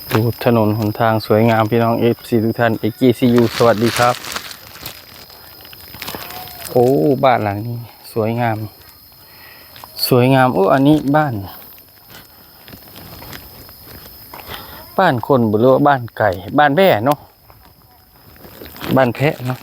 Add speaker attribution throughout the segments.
Speaker 1: ดูถนนหนทางสวยงามพี่น้องFCทุกท่านAGCUสวัสดีครับโอ้บ้านหลังนี้สวยงามโอ้อันนี้บ้านคนหรือว่าบ้านไก่บ้านแพะเนาะบ้านแพะเนาะ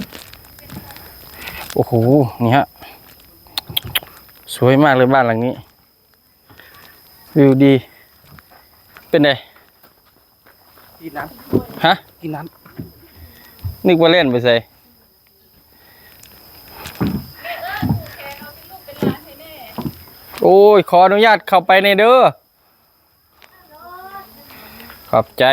Speaker 1: โอ้โหนี่ฮะสวยมากเลยบ้านหลังนี้วิวดีเป็นไง
Speaker 2: กินน้ำ
Speaker 1: ฮะ
Speaker 2: กินน้
Speaker 1: ำนึกว่าเล่นไปใส่โอ้ยขออนุญาตเข้าไปในเด้อขอบใจ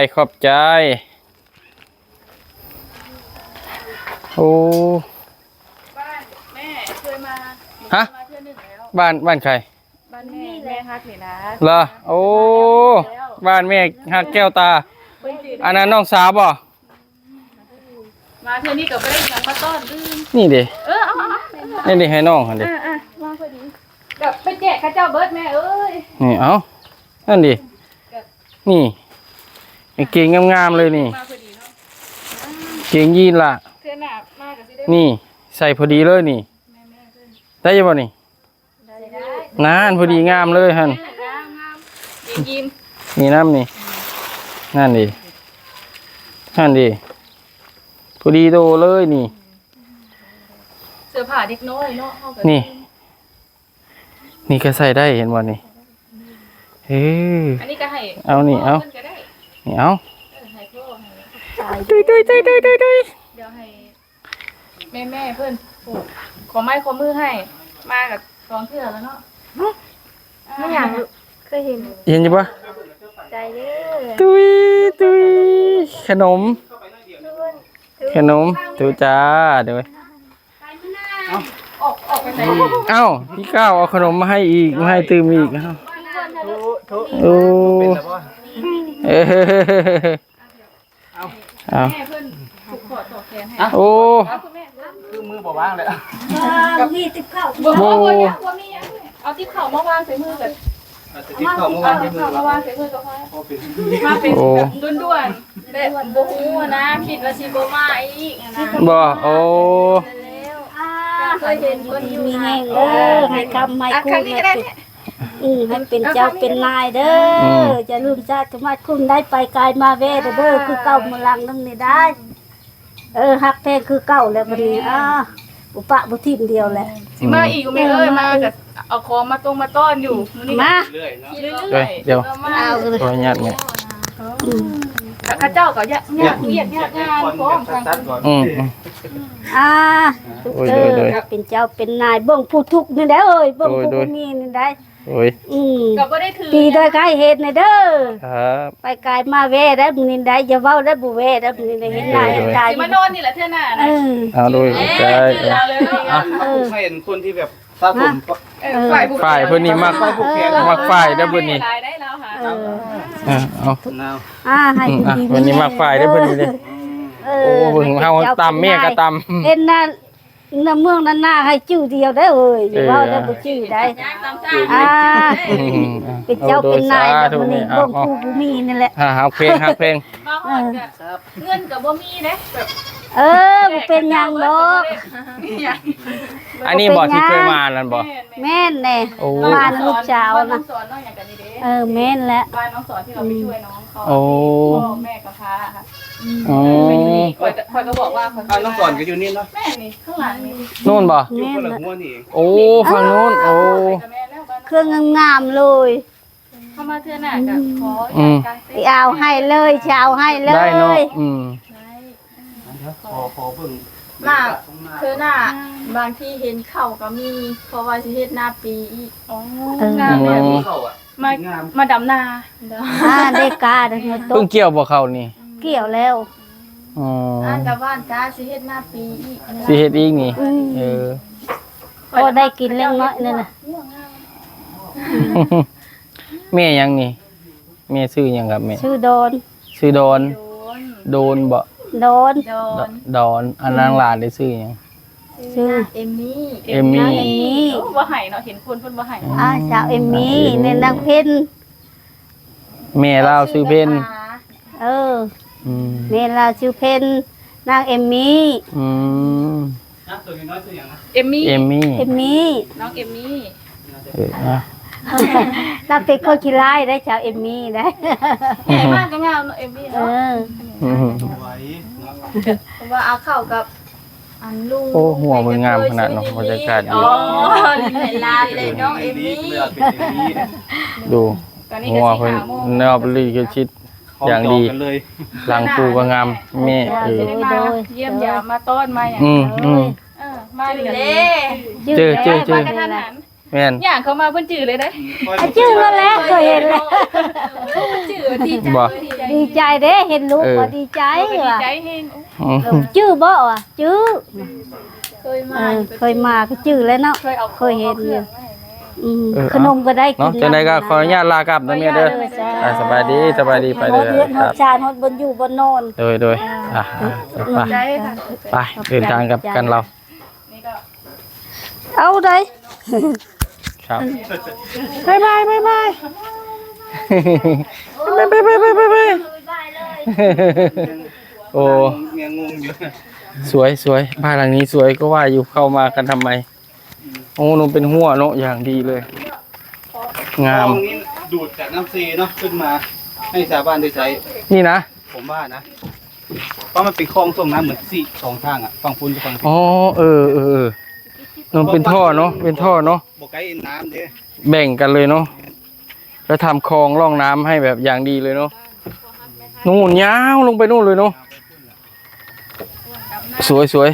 Speaker 1: โอ้
Speaker 3: บ้านแม่เคยมา
Speaker 1: ฮะ
Speaker 3: มาเทื่อหนึ่งแล้ว
Speaker 1: บ้านใคร
Speaker 3: บ้านแม่ฮักเห็นนะ
Speaker 1: เหรอโอ้บ้านแม่ฮักแก้วตาอันนั้นน้องสาวบ่
Speaker 3: มาเทื่อนี้กับไม่ได้ยังมาต้อนลืม
Speaker 1: นี่ดิ
Speaker 3: เอา
Speaker 1: นี่ดิให้น้องหันดิ
Speaker 3: มาพอดีกับไปแจกข้าเจ้าเบิร์ดแม่เอ้ย
Speaker 1: นี่เอานั่นดินี่เก่งงามๆเลยนี่
Speaker 3: มาพอดีเนาะ
Speaker 1: เก่งยีนล่ะ
Speaker 3: เทื่อหน้ามากับสิได้
Speaker 1: นี่ใส่พอดีเลยนี่
Speaker 3: แม่เพิ่น
Speaker 1: ได้ยังบ่นี่
Speaker 3: ได้
Speaker 1: นานพอดีงามเลยฮัน
Speaker 3: งามยิ้ม
Speaker 1: นี่น้ำนี่นั่นดิพอดีโตเลยนี่
Speaker 3: เสื้อผ้าเด็กน้อยเนาะเฮาก็
Speaker 1: นี่ก็ใส่ได้เห็นบ่นี่เฮ้ย
Speaker 3: อันนี้ก็ให้
Speaker 1: เอานี่เอา
Speaker 3: พิ่ก็ได้
Speaker 1: นี่เอา
Speaker 3: ให้พ่อให้
Speaker 1: ดุย
Speaker 3: เดี๋ยวให้แม่เพิ่นโอ้ขอไม้ขอมือให้มากับสองเทื่อแล้วเนาะไม่อยากเคยเห็น
Speaker 1: เห็นอยู่ปะ
Speaker 3: ใจเด้อ
Speaker 1: ตุยขนมดูจ้าเดี๋ยว
Speaker 3: ออกไปไหน
Speaker 1: เอ้าพี่ก้าวเอาขนมมาให้อีกมาให้ตื่มอีกเอ้า
Speaker 2: ทุ
Speaker 1: โอ้
Speaker 2: เป็นแล้วป่ะ
Speaker 1: เอ้เอา
Speaker 3: แม่เพิ่นถูกขอต่อแขนให้
Speaker 1: โอ้
Speaker 3: คุณแม่
Speaker 2: คือมือบ่ว่างเลยอ่ะ
Speaker 3: มีติ๊บข้าวบ่มียังเอาติ๊บข้าวมาวางใส่มือแบบ
Speaker 2: ติดเข้าเมื่อ
Speaker 3: เอา
Speaker 2: วาน
Speaker 3: ติ๊
Speaker 2: ที่
Speaker 3: บ
Speaker 2: มือ
Speaker 3: ข้าวมาวางใส่มือก็พอ
Speaker 2: พอเป็น
Speaker 3: มาเป็นแบบด่วนๆแบบบ่ฮู้นะคิดว่าสิบ่มาอีกนะ
Speaker 1: บ่โอ้
Speaker 3: เคยเห็นคนอยู่
Speaker 4: มี
Speaker 3: นะ
Speaker 4: แห้งเด้อให้คำให้คู่ให้เป็นให้เป็นเจ้าเป็นนายเด้อจะลืมชาติมาคุ้มได้ไปกายมาเวเด้อคือเก่ามาลังนั่นนี่ได้ฮักแพงคือเก่าแล้วบัดนี้อุปะบุทิมเดียวแหละ
Speaker 3: สิมาอีกแม่เอ้ยมาก็เอาของมาต้อนอยู่มื้อนี้
Speaker 4: มา
Speaker 2: เรื่อยเนาะ
Speaker 3: เรื่อยๆ
Speaker 1: เดี๋ยว
Speaker 3: มา
Speaker 4: เอาเลย
Speaker 1: ขออนุญาตเนี่ย
Speaker 3: ข้าเจ้าก็ยากเวียกยากงานพร้อมทาง
Speaker 2: ตัดก่อน
Speaker 4: เป็นเจ้าเป็นนายเบิ่งผู้ทุกข์นี่ได้เอ้ยเบิ่งผู้มีนี่ได้
Speaker 1: โอ้ย
Speaker 3: ก็บ่ได้ถือ
Speaker 4: ปีโดยกายเหตุนี่เด้อ
Speaker 1: ครับ
Speaker 4: ไปกายมาเวได้มื้อนี้ได้อย่าเว้าได้บ่เวได้มื้อนี้ได้เห็นหน้าเห็นตา
Speaker 3: สิมานอนนี่แหละเทื่อหน้านะ
Speaker 1: เอาโดยใจ
Speaker 3: เอาเลยเนาะ
Speaker 2: ให้เห็นคนที่แบบสะสม
Speaker 1: ฝ่ายเพิ่นนี่มักฝ่ายได้อเพิ่นนี่
Speaker 3: ได้แล้วค่ะ
Speaker 1: เอา
Speaker 2: นาว
Speaker 4: ให้ผู้ดี
Speaker 1: เพิ่นนี่มักฝ่ายได้อเพิ่นนี่เด้อโอ้เพิ่นเฮาตำแม่ก็ตำ
Speaker 4: เห็นนั่นน้ำเมืองนั้นหน้าให้ชื่อเดียวได้เอ้ยอย่าเว้าได้บ่ชื่อได้
Speaker 3: ยางตามจ้า
Speaker 4: เป็นเจ้าเป็นนายแบบนี้เบิ่งผู้ผู้มีนี่แหละ
Speaker 1: ฮักเพลง
Speaker 3: มาฮอดก็เงินก็บ่มีเด้แบบ
Speaker 4: บ่เป็นหยังดอก
Speaker 1: อันนี้บ่ที่เคยมานั่นบ่
Speaker 4: แม่นแน่
Speaker 1: โอ้
Speaker 4: บ้านลูกสาวนะ
Speaker 3: สอนน้องอย่างกันนี่เด้
Speaker 4: แม่นแหละ
Speaker 3: บ้านน้องสอนที่เราไปช่วยน้องเขา
Speaker 1: โอ้
Speaker 3: พ่อแม่กับพาค่ะ
Speaker 1: อ๋อ
Speaker 3: คอยก็บอกว่า
Speaker 2: น้องก่อนก็อยู่นี่เนาะ
Speaker 3: แม่นี่ข้างหลังนี่
Speaker 1: นู่นบ่
Speaker 2: อยู่คนละหัวนี่เอง
Speaker 1: โอ้ฝั่งนู้นโอ้
Speaker 3: แม่แล้วบ้าน
Speaker 4: เครื่องงามๆเลย
Speaker 3: เข้ามาเทื่อหน้าก็ขอการ
Speaker 4: ไปเอาให้เลยจะเอาให้เล
Speaker 1: ได้เนาะ
Speaker 4: ย
Speaker 2: พอเบิ่ง
Speaker 3: มากเทื่อหน้าบางที่เห็นเข่าก็มีเพราะว่าสิเฮ็ดหน้าปีอีกอ๋องามแบบนี้
Speaker 2: เข้าอ่ะ
Speaker 3: มาดำนา
Speaker 4: ได้กาได้ต
Speaker 1: เพิ่ง
Speaker 4: ก
Speaker 1: เกี่ยวบ่เข้านี่
Speaker 4: เกี่ยวแล้ว
Speaker 1: อ๋อ
Speaker 3: อ่านกับบ้านจ้าสิเฮ็ดหน้าปีอีก
Speaker 1: สิเฮ็ดอีกนี่เออ
Speaker 4: พอได้กินเล็กน้อยนั่นน่ะ
Speaker 1: แม่ยังนี่แม่ชื่อหยังครับแม่
Speaker 4: ชื่อโดน
Speaker 1: ชื่อดอน
Speaker 3: โดน
Speaker 1: โดนบ่
Speaker 4: โดน
Speaker 3: โดน
Speaker 1: ดอนอันนางหลานได้ชื่อหยัง
Speaker 4: ชื่อ
Speaker 3: เอมมี่
Speaker 1: เอมมี่
Speaker 4: เอมมี่
Speaker 3: บ่ให้เนาะเห็นคนเพิ่นบ่ให้
Speaker 4: สาวเอมมี่ในนางเพ็ญ
Speaker 1: แม่ลาวชื่อเพ็ญ
Speaker 4: เมลาชื่อเพนนางเอมมี่
Speaker 2: นะตัวน้อยตัวอย่างนะ
Speaker 3: เอมมี่
Speaker 1: เอมมี่
Speaker 4: เอมมี่
Speaker 3: น้องเอมมี่
Speaker 1: นะ
Speaker 4: นางเป็นคนขี้ร้ายได้ชาวเอมมี่ได้
Speaker 3: ใหญ่มากก็งามเอมมี่
Speaker 4: เอ
Speaker 3: เนาะ
Speaker 4: อ
Speaker 2: ไว้
Speaker 3: เพราะว่าเอาเข้ากับอันลุง
Speaker 1: โอ้หัวมืองามขนาดเนาะบรรยากาศดี
Speaker 3: อ๋อเวลาเลยน้องเอมมี่
Speaker 2: เลือดเป็นเอมมี่
Speaker 1: ดู
Speaker 3: ตอนนี้
Speaker 1: หั
Speaker 3: ก็
Speaker 1: ว
Speaker 3: สิ
Speaker 1: เพิ่น
Speaker 3: หาโมง
Speaker 1: แนวบริกชิด อย่างดี
Speaker 2: กันเลย
Speaker 1: หลังปูก็งามแม่
Speaker 3: จะได้มาเยี่ยมยามมาต้อนมาอย่าง
Speaker 1: อืม
Speaker 3: มาดีเลย
Speaker 1: เจอ
Speaker 3: มากระทันหัน
Speaker 1: แม่น
Speaker 3: อย่างเขามาเพิ่นจื่อเลยได้
Speaker 4: ชื่อแล้วแหละเคยเห็นแล้ว
Speaker 3: จื่อดีใจ
Speaker 1: บ่
Speaker 4: ดีใจเด้เห็นลูกก็ดีใจ
Speaker 3: ดี
Speaker 4: ว่ะ
Speaker 3: ใจเฮง
Speaker 4: ชื่อบ่ว่ะชื่อ
Speaker 3: เคยมา
Speaker 4: เคยมาก็ชื่อแล้วเนาะ
Speaker 3: เคยเอา
Speaker 4: เคยเห็นอยู่
Speaker 1: เออ
Speaker 4: ขนมก็ได้กิ
Speaker 1: เนาะ
Speaker 4: น
Speaker 1: จังไดก็ขออนุญาตลากลับนะแม่เด้อสบายดีไป
Speaker 4: หม
Speaker 1: เด้
Speaker 4: ดเลือดหม
Speaker 1: ครั
Speaker 4: ด
Speaker 1: บ
Speaker 4: ชาหมดบนอยู่บนนอน
Speaker 1: โดยไป
Speaker 3: ใจค่ะ
Speaker 1: ไปเดินทางกับกันเรา
Speaker 3: นี่ก็
Speaker 4: เอาได้
Speaker 1: ครับ
Speaker 4: บายบายบายบาย
Speaker 1: ไปโอ้
Speaker 2: เมียงงอยู่
Speaker 1: สวยบ้านหลังนี้สวยก็ว่าอยู่เข้ามากันทำไมโอ้หนูเป็นหัวเนาะอย่างดีเลย งาม
Speaker 2: ตรงนี้ดูดจากน้ำซีเนาะขึ้นมาให้ชาวบ้านได้ใช้
Speaker 1: นี่นะ
Speaker 2: ผมว่านะ เพราะมันเป็นคลองส่งน้ำเหมือนสี่สองทางอ่ะฝั่งพุ้นกับฝั่ง
Speaker 1: อ๋อมันเป็นท่อเนาะเป็นท่อเนาะ
Speaker 2: บกไก่น้ำเด้
Speaker 1: แบ่งกันเลยเนาะแล้วทำคลองร่องน้ำให้แบบอย่างดีเลยเนาะนู่นยาวลงไปนู่นเลยเนาะสวย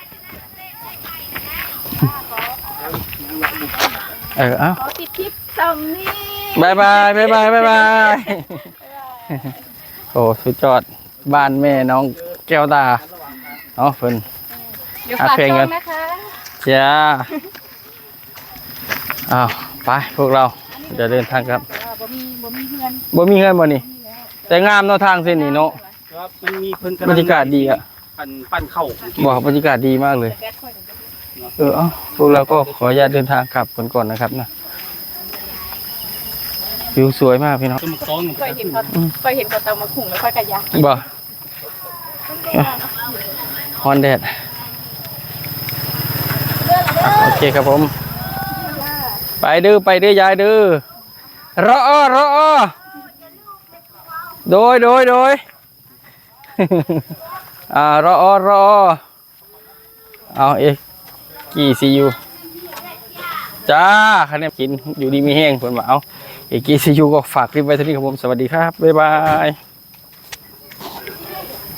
Speaker 1: เอ้า
Speaker 3: ขอติดคลิปซัมนี่
Speaker 1: บายโอ้สุดยอดบ้านแม่น้องแก้วตาเนาะเพิ่น
Speaker 3: เดี๋ยวฝากช่องนะคะ
Speaker 1: จ้าอ้าวไปพวกเราจะเดินทางครับ
Speaker 3: บ่มีเพื่อน
Speaker 1: บ่มีเงินบ่นี่แต่งามเนาะทางเส้นนี้เนาะ
Speaker 2: ครับมันมีเพิ่น
Speaker 1: บรรยากาศดีอะ
Speaker 2: ปั้นเข้า
Speaker 1: บอกบรรยากาศดีมากเลย
Speaker 3: แบดค่อย
Speaker 1: เอ้าพวกเราก็ขออนุญาตเดินทางกลับกันก่อนนะครับนะวิวสวยมากพี่น้อง
Speaker 2: ต้นมะกอก
Speaker 3: เคยเห็นเขาเตามาขุ่งแล้วค่อยกระยา
Speaker 1: บ่ฮอนแดดโอเคครับผม ไปดื้อยายดื้อรอโดยรอเอาเอ็กกี่ซียูจ้าคะแนนกินอยู่ดีมีแห้งเพิ่นมาเอาเอ็กกี่ซียูก็ฝากคลิปไว้เท่านี้ครับผมสวัสดีครับบ๊ายบาย